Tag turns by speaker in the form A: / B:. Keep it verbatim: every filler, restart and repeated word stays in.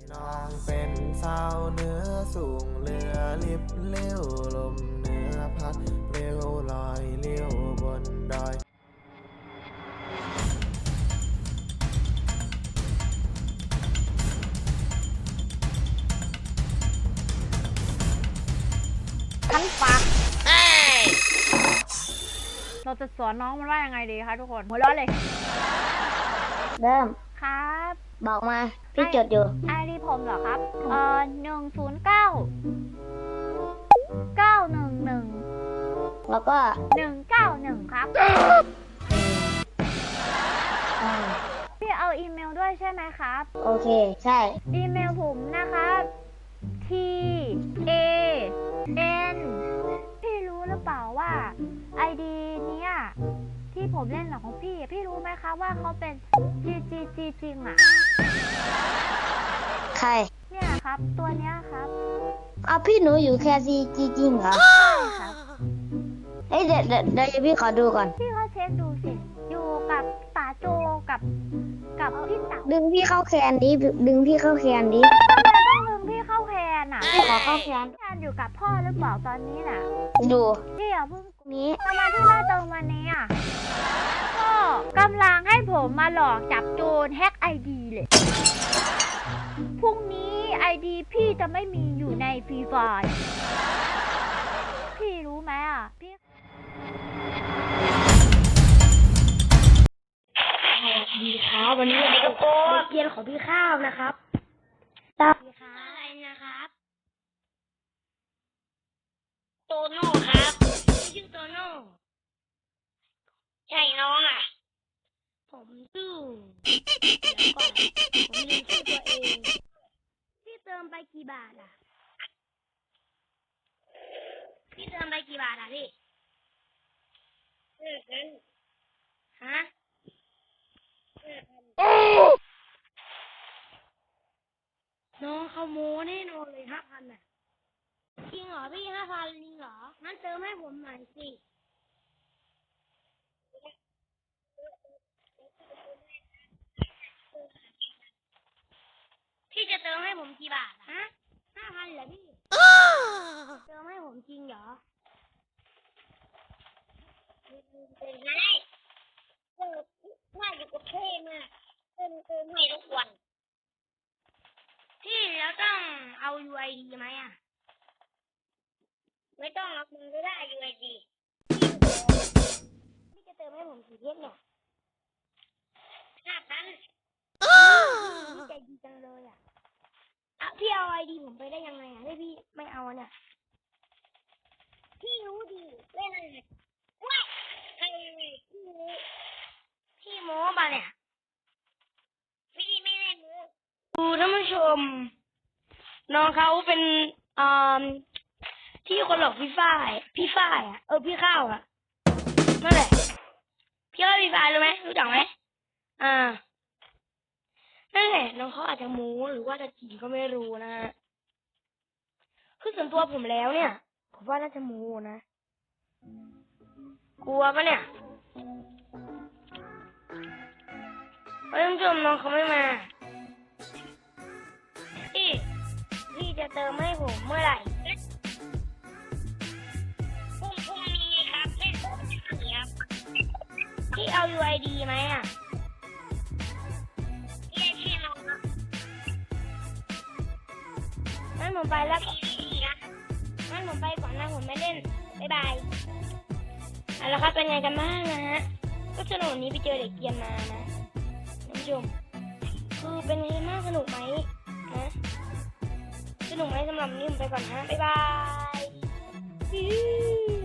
A: น้องเป็นสาวเหนือสูงเรือลิบเลี้ยวลมเหนือพัดเร็วลอยเลี้ยวบนดอย
B: ทั้งปากเราจะสอนน้องมันว่ายังไงดีคะทุกคนหัวเราะเลย
C: เริ่ม
B: ครับ
C: บอกมาพี่จดอยู่
B: ไอดีผมเหรอครับเอ่อหนึ่งศูนย์เก้าเก้าหนึ่งหนึ่ง
C: แล้วก็
B: หนึ่งเก้าหนึ่งครับพี่เอาอีเมลด้วยใช่ไหมครับ
C: โอเคใช่
B: อีเมลผมนะครับ T A N พี่รู้หรือเปล่าว่าไอดีเนี้ยที่ผมเล่นหรอของพี่พี่รู้ไหมคะว่าเขาเป็น G G G จริงอ่ะ
C: ใคร
B: เนี่ยครับตัวเนี้ยครับ
C: เอาพี่หนูอยู่แค่ซีจริงเหรอ
B: ใช่ครับ
C: เฮ้ยเดี๋ยวเดี๋ยวเดี๋ยวพี่ขอดูก่อน
B: พี่เขาเช็คดูสิอยู่กับป๋าโจกับกับพี่เต๋า
C: ดึงพี่เข้าแคนดิดึงพี่เข้าแคนดิ
B: ทำไมต้องดึงพี่เข้าแคนอ่ะ
C: พี่ขอเข้าแคน
B: แคนอยู่กับพ่อหรือเปล่าตอนนี้น่ะ
C: ดู
B: พี่อย่าเพิ่ง
C: นี้
B: ทำไมที่มาตรงวันนี้อ่ะก็กำลังให้ผมมาหลอกจับโจรแฮกไอดีเลยพรุ่งนี้ไอดีพี่จะไม่มีอยู่ในฟรีไฟล์พี่รู้ไหมอ่ะพี่
C: สวัสดีครับวันนี้เราก็เรียนของพี่ข้าวนะครับสวัสดีครับอะไรนะครับโตโน่ครับชื่อโตโน่ใช่น้องอ่ะผมชื่อเดี๋ยวก่อนผมลืมชื่อตัวเองพี่เติมไปกี่บาทอ่ะพี่เติมไปกี่บาทอ่ะพี่เออกันฮะน้องเขาโม้แน่นอนเลยห้าพันอ่ะจริงเหรอพี่ห้าพันจริงเหรองั้นเติมให้ผมหน่อยสิพี่จะเติมให้ผมกี่บาทฮะห้าพันเหรอพี่เติมให้ผมจริงเหรอเป็นไงเออว่าอยู่กับเท่มากเติมเติมให้ทุกวันพี่แล้วต้องเอา ยู ไอ ดี ไหมอ่ะไม่ต้องหรอกมึงก็ได้ ยู ไอ ดี พี่จะเติมให้ผมกี่เพชรเนี่ยห้าพันพี่ใจดีจังเลยอ่ะอ่ะพี่เอา ไอ ดี ผมไปได้ยังไงอ่ะให้พี่ไม่เอาเนี่ยพี่รู้ดีเล่นอะไรว้าไอ้พี่รู้พี่โม้ป่ะเนี่ยพี่ไม่ได้โม้ดูท่านผู้ชมน้องเขาเป็นอ่าที่คนหลอกพี่ฝ้ายพี่ฝ้ายอ่ะเออพี่ข้าวอ่ะนั่นแหละพี่ว่าพี่ฝ้ายรู้ไหมรู้จักไหมอ่านั่นแหละน้องเขาอาจจะโม้หรือว่าจะจริงก็ไม่รู้นะฮะคือส่วนตัวผมแล้วเนี่ยผมว่าน่าจะโม้นะกลัวปะเนี่ยท่านผู้ชมน้องเขาไม่มาพี่พี่จะเติมให้ผมเมื่อไหร่พรุ่งพรุ่งนี้ครับไม่พรุ่งนี้ครับพี่เอา ยู ไอ ดี ไหมอ่ะพี่ให้พี่น้องครับงั้นผมไปแล้วงั้นผมไปก่อนนะผมไม่เล่นบ๊ายบายเอาละครับเป็นไงกันบ้างนะฮะก็สนุกนี้ไปเจอเด็กเกียนมานะท่านผู้ชมคือเป็นไงมากสนุกไหมนะสนุกไหมสำหรับนี้ผมไปก่อนนะบ๊ายบาย